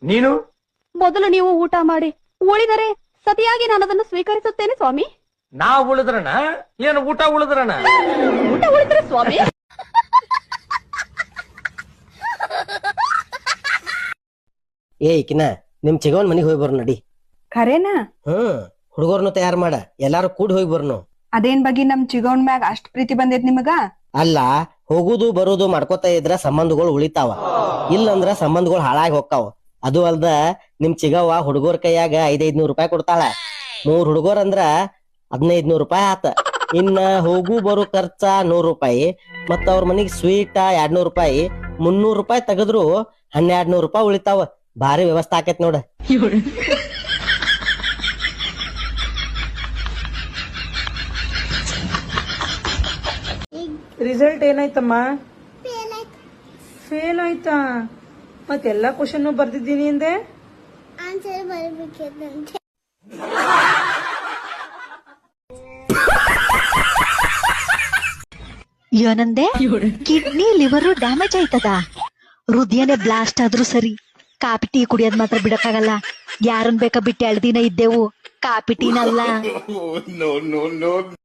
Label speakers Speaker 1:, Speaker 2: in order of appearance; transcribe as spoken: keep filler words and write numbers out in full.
Speaker 1: ನೀನು
Speaker 2: ಮೊದಲು ನೀವು ಊಟ ಮಾಡಿ, ಉಳಿದರೆ ಸತಿಯಾಗಿ ನಾನು ಅದನ್ನು ಸ್ವೀಕರಿಸುತ್ತೇನೆ ಸ್ವಾಮಿ.
Speaker 1: ನಾ ಉಳಿದ್ರಣ ಏನು ಊಟ ಉಳಿದ್ರಣ?
Speaker 2: ಊಟ ಉಳಿದ್ರೆ ಸ್ವಾಮಿ.
Speaker 3: ಏ ಕಿನ ನಿಮ್ ಚಿಗವನ್ ಮನಿಗ್ ಹೋಗಿ ಬರ್ ನಡಿ.
Speaker 4: ಖರೇನಾ?
Speaker 3: ಹ್ಮ್ ಹುಡುಗರ್ನು ತಯಾರ್ ಮಾಡ, ಎಲ್ಲಾರು ಕೂಡಿ ಹೋಗಿ ಬರ್ನು.
Speaker 4: ಅದೇನ್ ಬಗ್ಗೆ ನಮ್ ಚಿಗವನ್ ಮ್ಯಾಗ ಅಷ್ಟ್ ಪ್ರೀತಿ ಬಂದೈತ್ ನಿಮಗ?
Speaker 3: ಅಲ್ಲ, ಹೋಗುದು ಬರುದು ಮಾಡ್ಕೋತಾ ಇದ್ರ ಸಂಬಂಧಗಳು ಉಳಿತಾವ, ಇಲ್ಲಂದ್ರ ಸಂಬಂಧಗಳು ಹಾಳಾಗಿ ಹೋಗ್ತಾವ. ಅದು ಅಲ್ದ ನಿಮ್ ಚಿಗವ್ವ ಹುಡುಗರ ಕೈಯಾಗ ಐದೈದ್ ನೂರ್ ರೂಪಾಯಿ ಕೊಡ್ತಾಳ. ಮೂರ್ ಹುಡುಗರ್ ಅಂದ್ರ ಹದಿನೈದ್ ನೂರ್ ರೂಪಾಯಿ ಆತ. ಇನ್ನ ಹೋಗು ಬರು ಖರ್ಚ ನೂರ್ ರೂಪಾಯಿ, ಮತ್ತ ಅವ್ರ ಮನಿಗ್ ಸ್ವೀಟ ಎರಡ್ ನೂರ್ ರೂಪಾಯಿ, ಮುನ್ನೂರ್ ರೂಪಾಯಿ ತೆಗದ್ರು ಹನ್ನೆರಡ್ ನೂರ್ ರೂಪಾಯಿ ಉಳಿತಾವ. ಭಾರಿ ವ್ಯವಸ್ಥೆ ಆಕೇತ್ ನೋಡ.
Speaker 5: ರಿಸಲ್ಟ್ ಏನಾಯ್ತಮ್ಮ? ಫೇಲ್ ಆಯ್ತಾ? ಮತ್ತೆಲ್ಲಾ ಕ್ವಶನ್ ಬರ್ದಿದ್ದೀನಿ ಅಂದೆ.
Speaker 6: ಆನ್ಸರ್ ಬರಬೇಕಂತೆ.
Speaker 7: ಏನಂದೆ? ಕಿಡ್ನಿ ಲಿವರ್ ಡ್ಯಾಮೇಜ್ ಆಯ್ತದ, ಹೃದಯನೇ ಬ್ಲಾಸ್ಟ್ ಆದ್ರೂ ಸರಿ, ಕಾಪಿ ಟೀ ಕುಡಿಯೋದ್ ಮಾತ್ರ ಬಿಡಕ್ಕಾಗಲ್ಲ. ಯಾರನ್ ಬೇಕಾ ಬಿಟ್ಟು ಎರಡ್ ದಿನ ಇದ್ದೆವು, ಕಾಪಿ ಟೀನಲ್ಲ.